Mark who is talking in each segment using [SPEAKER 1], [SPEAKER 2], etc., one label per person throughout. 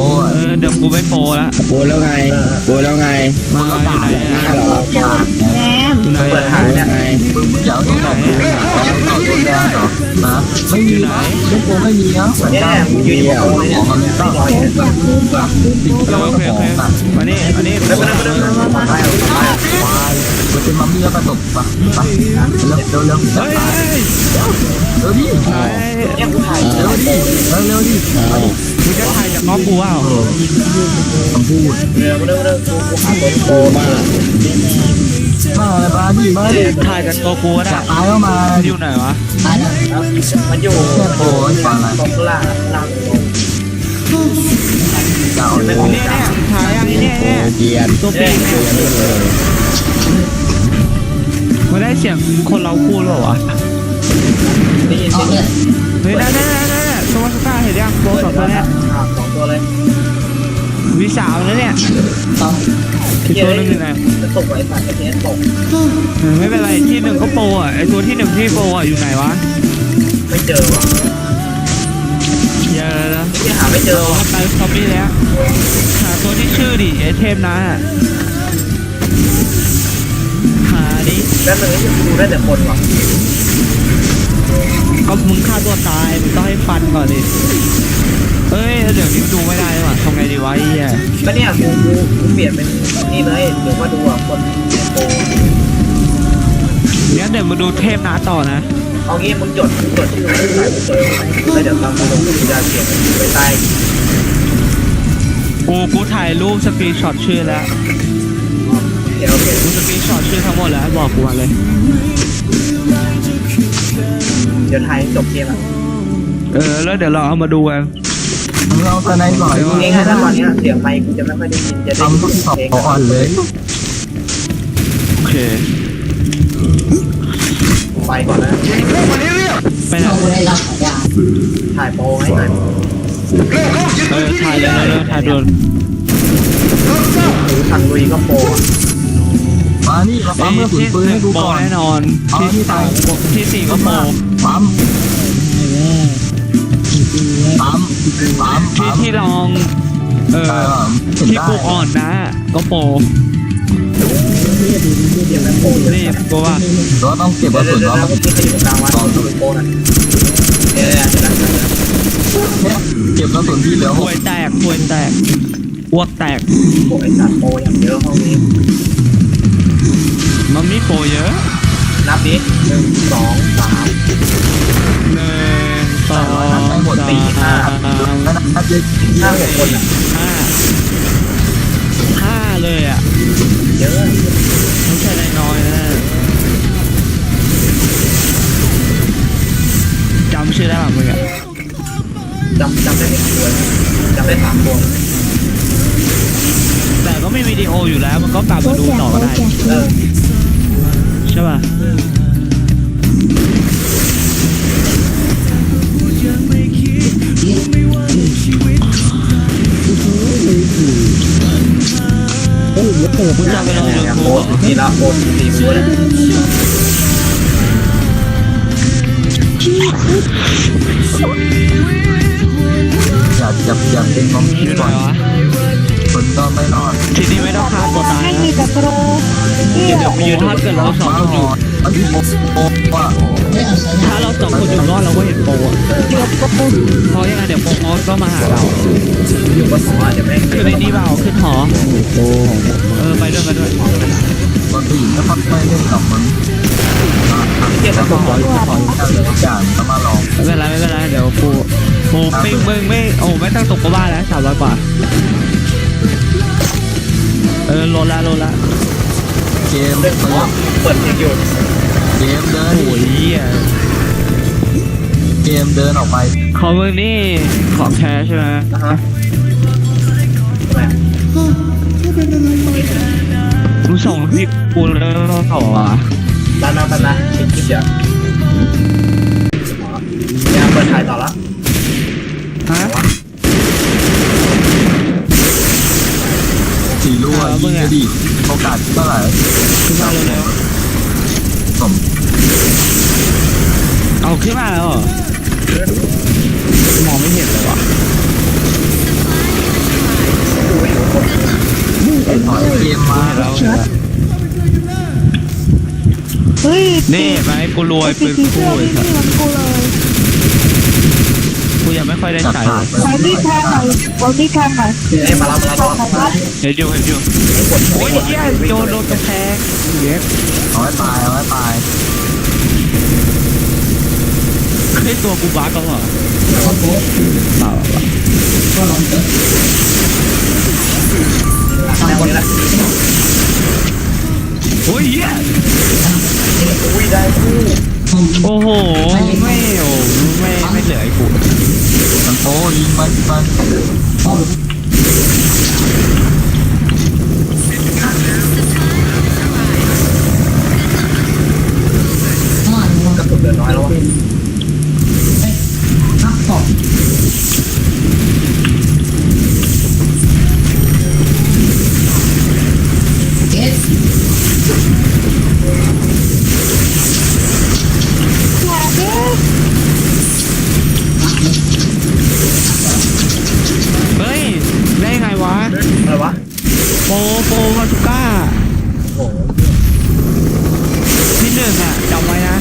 [SPEAKER 1] เดี๋ยวกูไม่โปรแล้ว
[SPEAKER 2] โบแล้วไงโบแล้วไง
[SPEAKER 1] มาอยู่ไหน
[SPEAKER 2] หน้าเหรอ
[SPEAKER 3] แหนม
[SPEAKER 1] อยู่ไหน
[SPEAKER 4] เปิดหายเนี่ย
[SPEAKER 2] ไง
[SPEAKER 4] มึงอยากต้องบอกต่อตัวแดงเหรอนะไม่มีนะเล่นโกไม่มีนะเหมือน
[SPEAKER 3] เนี่ย
[SPEAKER 4] กัน
[SPEAKER 3] มึงยืนอยู่ตรงนี้
[SPEAKER 4] ของมันไม่ต้อง
[SPEAKER 3] อยากรู้อยากรู้
[SPEAKER 1] โอเคมานี่อันนี้
[SPEAKER 3] ไม่เป็นไร
[SPEAKER 4] มันเป็นมัมมี่แล้วประสบปะปะเร็ว
[SPEAKER 1] เฮ้ย
[SPEAKER 4] เร็วดิ
[SPEAKER 3] เนี่ยกูถ่าย
[SPEAKER 4] เร็วดิเร็วดิ
[SPEAKER 2] เอา
[SPEAKER 1] มึงจะถ่ายจากน้องกูว่า
[SPEAKER 4] คำพูด
[SPEAKER 3] เร็วกูหาตัว
[SPEAKER 2] โบมาก
[SPEAKER 4] มาอะไรบ้าดิมาดิ
[SPEAKER 1] ถ่ายจากตัวกูก็ได้
[SPEAKER 4] ตายเข้ามา
[SPEAKER 1] อยู่ไหนวะ
[SPEAKER 3] มันอยู่
[SPEAKER 4] แค่โปรยฟังอะไร
[SPEAKER 3] ตรงล่างล่างตรง
[SPEAKER 4] จะเอาเลย
[SPEAKER 1] เนี่ยถ่ายอย่างนี้เนี่ย
[SPEAKER 2] โบเกียน
[SPEAKER 1] ตัวปีก
[SPEAKER 2] เกียนเลย
[SPEAKER 1] มาได้เสียงคนเราพูดหรอวะ
[SPEAKER 3] ได้ยินเสียง
[SPEAKER 1] เฮ้ยได้สวัสดิ์เห็นยังโบสองตัวเนี่ย
[SPEAKER 3] สองตัวเลย
[SPEAKER 1] วิสาวนะเนี่ยคือตัวนึงอยู่ไหน
[SPEAKER 3] จะตกไว้สัตว์จะเทสตก
[SPEAKER 1] ไม่เป็นไรที่หนึ่งก็โปรอ่ะไอตัวที่หนึ่งที่โปรอ่ะอยู่ไหนวะ
[SPEAKER 3] ไม่เจอว่ะ
[SPEAKER 1] เยอะแล้ว
[SPEAKER 3] ที่หาไม่เจอ
[SPEAKER 1] เราไปซอมบี้แล้วหาตัวที่ชื่อดิไอเทมนะหาดิ
[SPEAKER 3] แล้วมึงยังดูได้แต่คนว่ะ
[SPEAKER 1] ก็มึงฆ่าตัวตายมึงต้องให้ฟันก่อนดิเอ้ยเดี๋ยวนี้ดูไม่ได้ว่ะทำไงดีวะไอ้เหี้ย
[SPEAKER 3] ก็เนี่ยกูเปลี่ยนเป็นนี่เลยเดี๋ยวมาดูอ่ะคนโปร
[SPEAKER 1] งั้นเดี๋ยวมาดูเทพนะต่อนะ
[SPEAKER 3] เอางี้มึงจดชื่อมึงใส่ไปเจอไหมแล้วเดี๋ยวตามกูลงกูจะเขียนไปใต้
[SPEAKER 1] กูถ่ายรูปสกรีนช็อตชื่อแล้ว
[SPEAKER 3] โอเค
[SPEAKER 1] กูสกรีนช็อตชื่อทั้งหมดแล้วบอกกูมาเลย
[SPEAKER 3] เดี๋ยวไทยจบเกมอ่ะ
[SPEAKER 1] แล้วเดี๋ยวเราเอามาดูกัน
[SPEAKER 4] มึงเอาตะไนหน่อย
[SPEAKER 3] ง่ายๆถ้าตอนนี้เสียงไมค์กูจะไม่ค่อยได้ยินจะได้
[SPEAKER 4] ทำทุกสอบอ่อนเลย
[SPEAKER 1] โอเค
[SPEAKER 3] ไปก่อนนะ
[SPEAKER 1] ไปไหน
[SPEAKER 3] ถ่ายโปรให้หน่อย
[SPEAKER 1] ถ่ายเลยถ่ายโดน
[SPEAKER 3] หรือทางลุยก็โปร
[SPEAKER 4] มานี่มาปั๊มเมื่อฝืนปืนให้ดู
[SPEAKER 1] โป
[SPEAKER 4] ก่อน
[SPEAKER 1] แน่นอนที่สามที่สี่ก็โป
[SPEAKER 4] ปั๊ม
[SPEAKER 1] ที่ลองที่กูอ่อนนะก็โป
[SPEAKER 3] เดี๋ยวแม่โปรเยอะ
[SPEAKER 1] นี่กูว่า
[SPEAKER 4] เราต้องเก็บกระสุน
[SPEAKER 3] เดี๋ยว
[SPEAKER 4] เรา
[SPEAKER 3] นะเมื่อกี้จะอยู่กลางวันดูโปรนะเดี๋ยวจะนั่ง
[SPEAKER 4] เก็บกระสุนที่เหลือ
[SPEAKER 1] ป่วยแตกอ้วกแตก
[SPEAKER 3] โปรไอ้สัตว์โปรอย่างเยอะห้องนี้
[SPEAKER 1] มันมีโปเยอะ
[SPEAKER 3] นับดิ1 2 3
[SPEAKER 1] 1 2 3
[SPEAKER 4] นับเยอะ
[SPEAKER 3] 5 6คนอ่ะ
[SPEAKER 1] 5เลยอ่ะ
[SPEAKER 3] เยอะ
[SPEAKER 1] ไม่ใช่น้อยนะจำชื่อได้ป่ะมึงอ่ะ
[SPEAKER 3] จำได้ไม่กี่ตัวจำได้3 ตัว
[SPEAKER 1] แต่ก็มีวิดีโออยู่แล้วมันก็กลับมาดูต่อก็ได้ใช่ป่ะมึงจะไปลงยู
[SPEAKER 3] โป
[SPEAKER 1] ทู
[SPEAKER 3] ร
[SPEAKER 1] บ
[SPEAKER 3] ทีละโปร4 มือเลย
[SPEAKER 4] อย่าเป็นน้อง
[SPEAKER 1] อยู่ไหน
[SPEAKER 4] ก่อน
[SPEAKER 1] วะ
[SPEAKER 4] คนก็ไม่รอด
[SPEAKER 1] ทีนี้ไม่ต้องฆ่าตัวตาย
[SPEAKER 3] ให้
[SPEAKER 1] นะ
[SPEAKER 3] มีแต่โปร
[SPEAKER 1] เดี๋ยวไปยืนทอดกันเราสองคนอยู่
[SPEAKER 4] มันที่โป๊ว่า
[SPEAKER 1] ถ้าเราสองคนอยู่รอดเราก็เห็นโปรอ่ะเพราะยังไงเดี๋ยวโปรก็มาหาเรา
[SPEAKER 3] อยู่บนหออาจจะไม่
[SPEAKER 1] คือในนี้เปล่าขึ้นหอ
[SPEAKER 2] โบ
[SPEAKER 1] ไปด้วยกันด้วย
[SPEAKER 4] บางทีก็พักไม่เล่นกับมัน
[SPEAKER 3] เทียบกับ
[SPEAKER 4] ก็
[SPEAKER 3] ห
[SPEAKER 4] ข
[SPEAKER 3] อ
[SPEAKER 4] ออะไรทุกอย่างก็มาลอง
[SPEAKER 1] ไม่เป็นไรเดี๋ยวปูปิ้งมึงไม่ไม่ต้องตกกบ้านแล้ว300 กว่าลดละ
[SPEAKER 4] เกม
[SPEAKER 3] เปิดเพลงอยู่
[SPEAKER 4] เกมเดิน
[SPEAKER 1] โอ้ย
[SPEAKER 4] เกมเดินออกไป
[SPEAKER 1] ของมึงนี่ของแท้ใช่ไหม
[SPEAKER 3] นะฮะทำไม
[SPEAKER 1] มึงส่งที่กูแล้วเขาวะ
[SPEAKER 3] ตามนะคลิปเยอะยังเปิดถ่ายต่อละ
[SPEAKER 1] ฮะ
[SPEAKER 4] สีรั่วยิงดิโอกาสเท่าไหร่
[SPEAKER 1] ขึ้นมาเร็ว
[SPEAKER 4] สม
[SPEAKER 1] ๆเอาขึ้นมาแล้วเหรอมองไม่เห็นเลยวะแล้วเห็นแล้ว
[SPEAKER 5] เฮ้ย
[SPEAKER 1] นี่ไหมกูรวยปืน
[SPEAKER 5] สี
[SPEAKER 1] คู่
[SPEAKER 5] เสื้อ
[SPEAKER 1] เลย
[SPEAKER 5] นี่
[SPEAKER 1] ครับ
[SPEAKER 5] เหมือนกูเลย
[SPEAKER 1] กูยังไม่ค่อยได้
[SPEAKER 4] จัด
[SPEAKER 1] ใช้
[SPEAKER 4] ผ่านไป
[SPEAKER 5] ใช้ที่แทงหน่อยเอาที่แทงหน่อย
[SPEAKER 3] เอ้ยมาแล้ว
[SPEAKER 1] เห็นอยู่โอ้ยเหี้ยโดนกระแพงเย็บ
[SPEAKER 4] เอาไว้ตายเอาไว้ตาย
[SPEAKER 1] ไอ้ตัวกูบั๊กก็เหรอเปล่า
[SPEAKER 3] แนวนี้แหละ
[SPEAKER 1] โอ้ยเหี้ย
[SPEAKER 3] อุ้ยได้คู่
[SPEAKER 1] โอ้โหไม่เหลือไอ้กู
[SPEAKER 4] มันโตยิงมัน
[SPEAKER 3] กระสุนเหลือน้อยแล้ววะ
[SPEAKER 1] เฮ้ยได้ไงวะ
[SPEAKER 3] อะไรวะ
[SPEAKER 1] โปมาตุก้า
[SPEAKER 3] โอ้โห
[SPEAKER 1] ที่หนึ่งอ่ะจำไว้นะ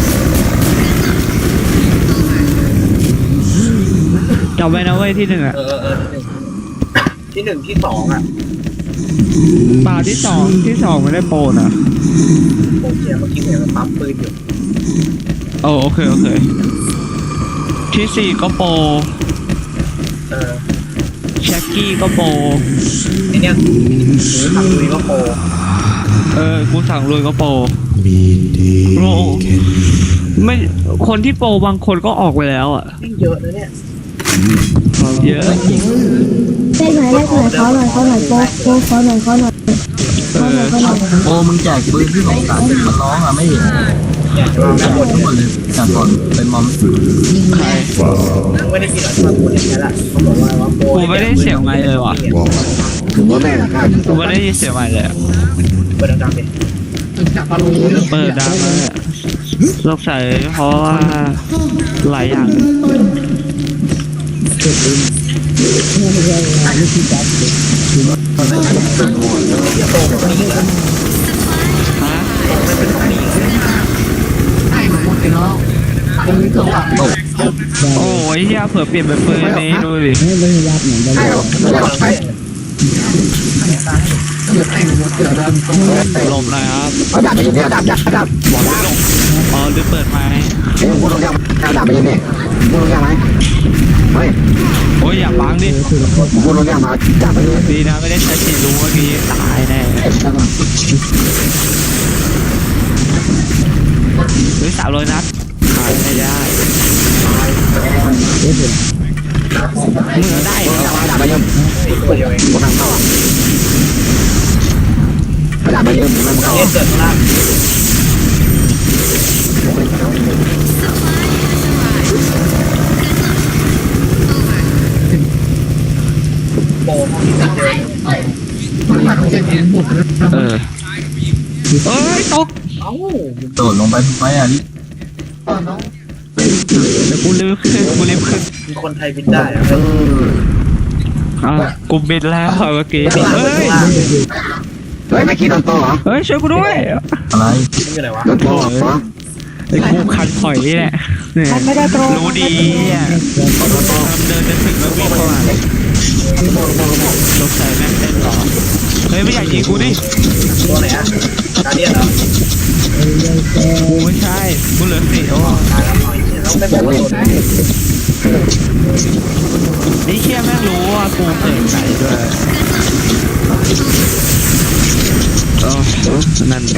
[SPEAKER 1] จำไว้นะเว้ยที่หนึ่งอ่ะ
[SPEAKER 3] ที่หนึ่งที่สองอ่ะ
[SPEAKER 1] เปล่าที่สองไม่ได้โปรนะ
[SPEAKER 3] โอเคเมื่อกี้เห็นมันปั๊มปืนอยู่
[SPEAKER 1] โอเคที่สี่ก็โปร แช็กกี้ก็โปร
[SPEAKER 3] ไอเนี้ยทำลุยก็โปร
[SPEAKER 1] กูสั่งลุยก็โปรโปรไม่คนที่โปรบางคนก็ออกไปแล้วอ่ะ
[SPEAKER 3] ยิ่งเยอะนะเนี่ย
[SPEAKER 1] เยอะ
[SPEAKER 5] ได้ไหมเขาหน่อยโป๊ะเขาหน่อย
[SPEAKER 4] โอ้มึงแจกปืนที่ของสารมันร้องอ่ะไม่เห็น
[SPEAKER 3] อยากจะลอง
[SPEAKER 4] แจ
[SPEAKER 3] นะ
[SPEAKER 4] กหมดทั้งหมดเลยจากก่อนเป็นมอม
[SPEAKER 1] ใคร
[SPEAKER 3] ไม่ได้กินหรอกที่มาพูดอย่างนี้แหละเขาบอกว่าโปร
[SPEAKER 1] กูไม่ได้เสียงไมค์เลยว่ะกูไม่ได้ยินเสียงไมค์เลยอะ
[SPEAKER 3] เปิดดังๆดิ
[SPEAKER 1] เปิดดังเลยอะสงสัยเพราะว่าหลายอย่างฮะโอ้ยเฮียเผื่อเปลี่ยนเป็นปืนนี้ดูดิ หลบหน่อยครับอ๋อหรือเปิดไม้โอ้ยอย่าบังดิดีนะไม่ได้ใช้สีรู้เมื่อกี้ตายแน่หรือ300 นัดขายไม่ได้มือได้เหรอ
[SPEAKER 3] ตัวเดียวเองเอ๊ะเกิดล่างโปรห้องนี้เจอ
[SPEAKER 1] เอ้ยตก
[SPEAKER 3] เอ้า
[SPEAKER 4] โดดลงไปทำไมอ่ะนี่
[SPEAKER 1] เดี๋ยวกูรีบขึ้น
[SPEAKER 3] มีคนไทยบินได้อะ
[SPEAKER 1] กูบินแล้วเมื่อกี้เฮ้ย เฮ้ยช่วยกูด้วย
[SPEAKER 4] อะไร
[SPEAKER 3] นี่อยู่ไหนวะ
[SPEAKER 1] ไอ้กูคันถอยนี่แหละเนี่ย
[SPEAKER 5] มันไม่ได้ตรง
[SPEAKER 1] รู้ดีอ่ะเดินจะถึงแล้ววิ่งเข้ามาสงสัยแม่งเต้นหรอเฮ้ยไม่อยากยิงกูดิ
[SPEAKER 3] ตัวไหนอะการเดียนเหรอ
[SPEAKER 1] กูไม่ใช่กูเหลือ4แล้วอ่ะ
[SPEAKER 3] ตายแล้วเราไม่บอกว่าตัวไหน
[SPEAKER 1] ไอ้เชี่ยแม่งรู้ว่ากูเกิดไหนด้วยนั่นแหละ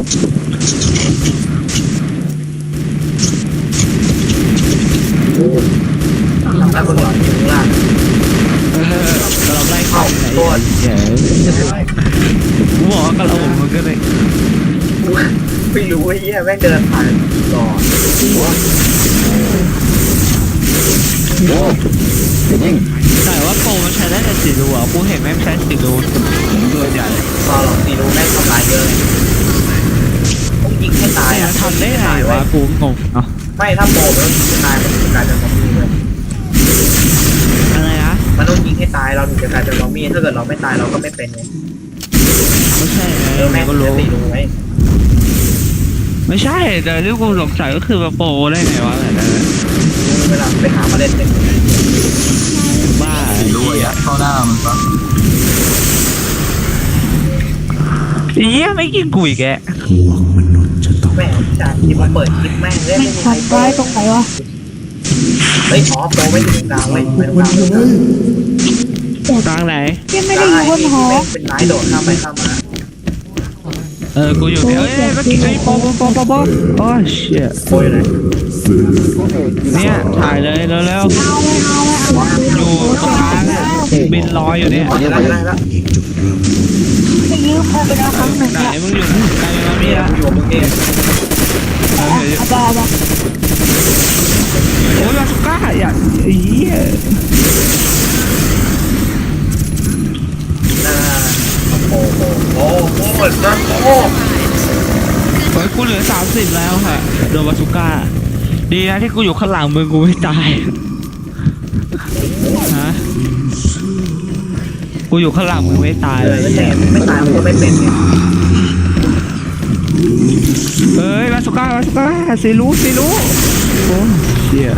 [SPEAKER 3] แล้วคนหลังอยู่ข้างล่าง
[SPEAKER 1] เราไล่เข้าไหนเดี๋ยวกูบอกว่ากระโหลกมันก็เลย
[SPEAKER 3] ไม่รู้ไอ้เหี้ยแม่งเดินผ่านก่อน
[SPEAKER 1] แต่ว่าโปรมันใช้ได้แต่สีรูอ่ะกูเห็นแม่งใช้สีรูตัวใหญ่
[SPEAKER 3] พอหลอกตีรู้แม่งทำลายเยอะต้องยิงให้ตาย
[SPEAKER 1] แต่
[SPEAKER 3] อะ
[SPEAKER 1] ทำได้ไงวะกูงงอ่ะ
[SPEAKER 3] ไม่ถ้าโปรมันต้องยิงให้ตายมันถึงจะกลายเป็นซอมบี้เลย
[SPEAKER 1] อะไรนะ
[SPEAKER 3] มันต้องยิงให้ตายเราถึงจะกลายเป็นซอมบี้ถ้าเกิดเราไม่ตายเราก็ไม่เป็นไง
[SPEAKER 1] ไม่ใช่ไง
[SPEAKER 3] แม่ง
[SPEAKER 1] ก็
[SPEAKER 3] จะ
[SPEAKER 1] รู้
[SPEAKER 3] ตีรู้ไหม
[SPEAKER 1] ไม่ใช่แต่ที่กูสงสัยก็คือมาโปรได้ไงวะอะไรนะ
[SPEAKER 3] เวลาไปหามาเล่นเนี่ย
[SPEAKER 1] บ้า
[SPEAKER 4] ด้วยอ่ะเข้าหน้ามันปะ
[SPEAKER 1] เหี้ยไม่กินกุยแก
[SPEAKER 3] แม่งจากที่มาเปิดคลิปแม่งเล่นไม่มีใคร
[SPEAKER 5] ขัดไว้ตรงไหนวะ
[SPEAKER 3] เฮ้ยอ๋อโปรไม่ถึงกลางไม่ตรงกลาง
[SPEAKER 1] กลางไหน
[SPEAKER 5] พี่ไม่ได้อยู่บนหอ
[SPEAKER 3] เป็นไม้โดดข้ามไปข้ามมา
[SPEAKER 1] กูอยู่เนี่ยเมื่อกี้ไอ้โปโอ้เชี่ย
[SPEAKER 3] โปรอยู่ไหน
[SPEAKER 1] เนี่ยถ่ายเลยเร็ว
[SPEAKER 5] เอาไม่เอาไม่เอา
[SPEAKER 1] ๆอยู่ตรงกลางบินลอยอยู่เนี่ย
[SPEAKER 3] อ๋อจะได้แล้ว
[SPEAKER 5] ไปยืมเขาไปแล้วครั้งหนึ่ง
[SPEAKER 1] ไหน
[SPEAKER 5] เนี่ย
[SPEAKER 1] มึงอยู่ไหนไกลมามีละ
[SPEAKER 3] อยู่กับมึงเอง
[SPEAKER 5] เอาไปเอาไป
[SPEAKER 1] โอ้ยมาสุก้าอย่าเหี้ย
[SPEAKER 3] โอ้โหโอ้โหโอ้โหโอ้โห
[SPEAKER 1] โอ้ยกูเหลือ30แล้วค่ะโดนมาสุก้าดีนะที่กูอยู่ข้างหลังมึงกูไม่ตายฮะกูอยู่ข้างหลังมึงไม่ตายเลย
[SPEAKER 3] ไม่ตายมันก็ไม่เป็นเนี่ย
[SPEAKER 1] เอ้ยมาสุก้าสิรู้โอ้เชี่ย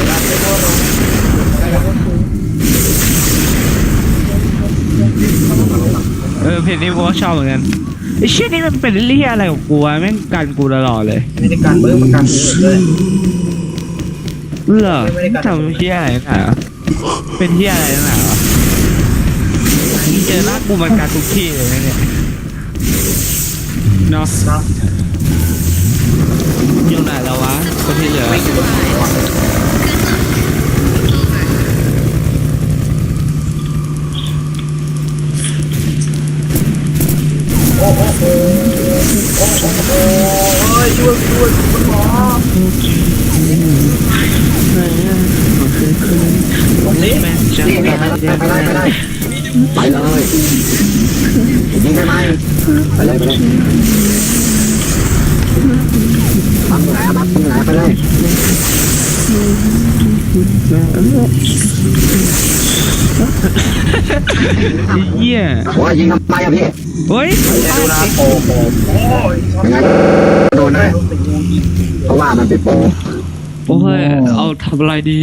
[SPEAKER 1] เพจนี้กูก็ชอบเหมือนกันไอ้เชี่ยนี่มันเป็นเรี่ยอะไรของกูวะแม่งกันกูตลอดเลย
[SPEAKER 3] ไม่ได้การเบิ้งมันการเงินเลย
[SPEAKER 1] เหรอทำเชี่ยอะไรนักหนาวะเป็นเชี่ยอะไรนักหนาวะมึงเจอหน้ากูมันการทุกที่เลยนะเนี่ยเนาะ
[SPEAKER 3] เนาะ
[SPEAKER 1] อยู่ไหนแล้ววะคนที่เหลือ
[SPEAKER 3] ไม่อยู่บนหัวโอ้โหโอ้โหเฮ้ยช่วยคุณหมอตรงนี้
[SPEAKER 1] แม่งจะ
[SPEAKER 3] นี่
[SPEAKER 1] ไม่
[SPEAKER 3] ไป
[SPEAKER 1] ได้
[SPEAKER 2] ไปเลยยิงได้ไหมไปเลยบังไหนไปเลย
[SPEAKER 1] เหี้ย
[SPEAKER 2] โอ้ยยิงทำไมอะพี่
[SPEAKER 1] เฮ้ย
[SPEAKER 3] ดูนะโอ้โหโอ้ย
[SPEAKER 2] ยังไงโดนนะเพราะว่ามันเป็นโปร
[SPEAKER 1] โอ้ยเอาทำอะไรดี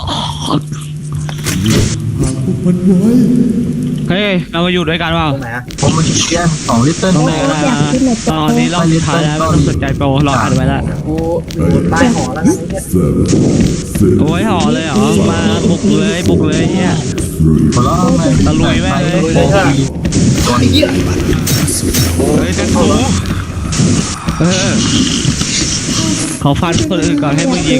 [SPEAKER 1] เฮ้ยเรามาอยู่ด้วยกันเปล่า
[SPEAKER 3] ตรงไหนอะ
[SPEAKER 4] ผมมันเชียน2 ลิตร
[SPEAKER 1] ตรงไหน
[SPEAKER 4] แม่
[SPEAKER 1] กันนะตอนนี้เราสุดท้ายแล้วไม่ต้องสนใจโปรรออัดไว้ละ
[SPEAKER 3] กูอยู่ใต้หอแล้วนะเนี่ย
[SPEAKER 1] โอ้ยห่อเลยเหรอมาบุกเลยเนี่ย
[SPEAKER 4] หัวเราะแม่ง
[SPEAKER 1] ตะลุยแม่งเลย
[SPEAKER 4] โอ้โหตัวนี้
[SPEAKER 1] เฮ้ยจังกูขอฟันคนอื่นก่อนให้มึงยิง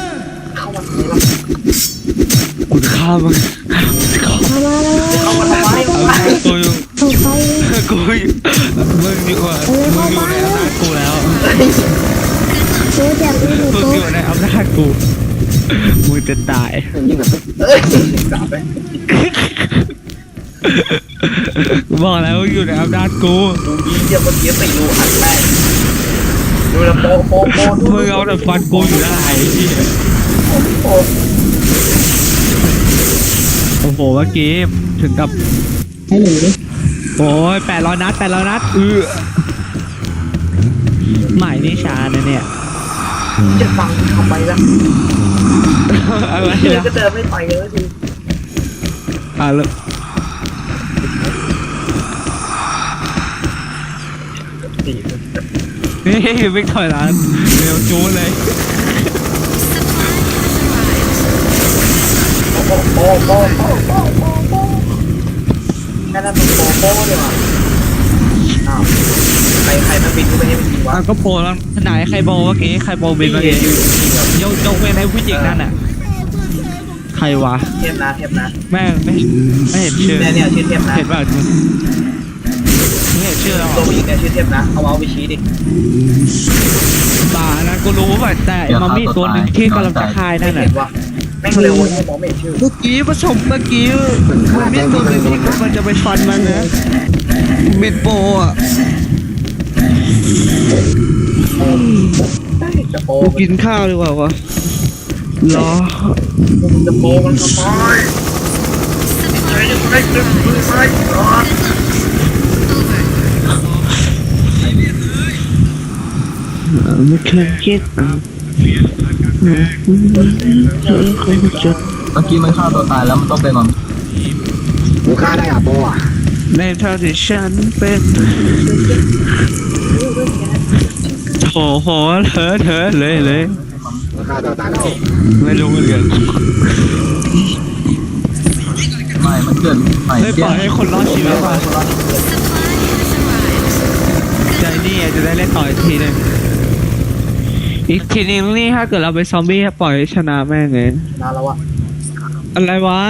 [SPEAKER 1] กูจะฆ่ามึง
[SPEAKER 5] มาแล้ว
[SPEAKER 3] เข้ามาทำไม
[SPEAKER 1] กูอยู่
[SPEAKER 5] ถูกไป
[SPEAKER 1] กูมึงอยู่ในอำนาจกูแล้ว
[SPEAKER 5] เจอแบบนี้หนู
[SPEAKER 1] มึง
[SPEAKER 5] โต
[SPEAKER 1] อยู่ในอำนาจกูมึงจะตาย
[SPEAKER 2] ยิงแบบ
[SPEAKER 3] เอ้ยกลับไป
[SPEAKER 1] กูบอกแล้วมึงอยู่ในอำนาจกู
[SPEAKER 3] ดูดีเยี่ยมเมื่อกี้ไปดูอัดแม่ดูแลโปดู
[SPEAKER 1] มึงเอาแต่ฟันกูอยู่ได้ที่
[SPEAKER 3] โอ้
[SPEAKER 1] โอ้โหเมื่อกี้ถึงกับโอ้ย800 นัดหมายนิชานะเนี่ย
[SPEAKER 3] จะฟังทำไมล่ะ
[SPEAKER 1] อะไร
[SPEAKER 3] เดิน
[SPEAKER 1] นะ
[SPEAKER 3] ก็เดินไม่ไปเลยที
[SPEAKER 1] แล้วนี่ไม่ถอยหลังเร็วจูนเลย
[SPEAKER 3] โอ้แค่นั้นมันโปเลยว่ะอ้าวใครมันบินขึ้นไปให้มันยิงวะ
[SPEAKER 1] ก็โปรแล้วไหนใครโปรเมื่อกี้ใครโปรบินเมื่อกี้ยกเว้นให้ผู้หญิงนั่นน่ะใครวะ
[SPEAKER 3] เทพนะ
[SPEAKER 1] แม่งไม่เห็นชื่อ
[SPEAKER 3] เนี่ยชื่อเทพนะ
[SPEAKER 1] เห็นป่ะไม่เห็นชื่อแล้ว
[SPEAKER 3] ตัวผู้หญิงเนี่ยชื่อเทพนะเอาไปชี้ดิ
[SPEAKER 1] ป่านะกูรู้ป่ะแต่มันมีตัวหนึ่งที่กำลังจะคายนั่น
[SPEAKER 3] เห็
[SPEAKER 1] น่ะ
[SPEAKER 3] นวะแม่งเร็วเนี่ยมองไม่เห็นชื่อ
[SPEAKER 1] เมื่อกี้มันมีตัวหนึ่งที่กำลังจะไปฟันมันนะมิดโปอ่ะ
[SPEAKER 3] จะโป
[SPEAKER 1] กูกินข้าวดีกว่าวะรอ
[SPEAKER 3] จะโปมันทำไมใช้ยังไงตึ้งมือไม้ก่อน
[SPEAKER 1] ไม่เคยคิดจุด
[SPEAKER 4] เมื่อกี้มันฆ่าตัวตายแล้วมันต้องเป็นมัน
[SPEAKER 2] กูฆ่าได้อะโปอ่ะ
[SPEAKER 1] ในเท่าที่ฉันเป็นโอ้โหเธอเลย
[SPEAKER 2] กูฆ่าตัวตายแล้ว
[SPEAKER 1] ไม่รู้เหมือนกัน
[SPEAKER 4] ไม่มันเกิดใหม่
[SPEAKER 1] ไม่ปล่อยให้คนรอดชีวิตก่อนใจนี่จะได้เล่นต่ออีกทีหนึงอีกทีนึงนี่ถ้าเกิดเราไปซอมบี้ปล่อยให้ชนะแม่งเลย
[SPEAKER 3] นานแล้วอะ
[SPEAKER 1] อะไรวะ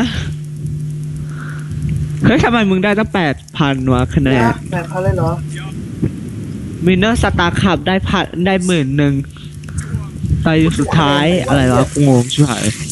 [SPEAKER 1] เฮ้ยทำไมมึงได้ตั้ง8,000วะคะแนน
[SPEAKER 3] แม่เขาเล่นเหรอ
[SPEAKER 1] มินเนอร์สตาร์คับได้10,000ตายอยู่สุดท้ายอะไรวะกูงงชิบหาย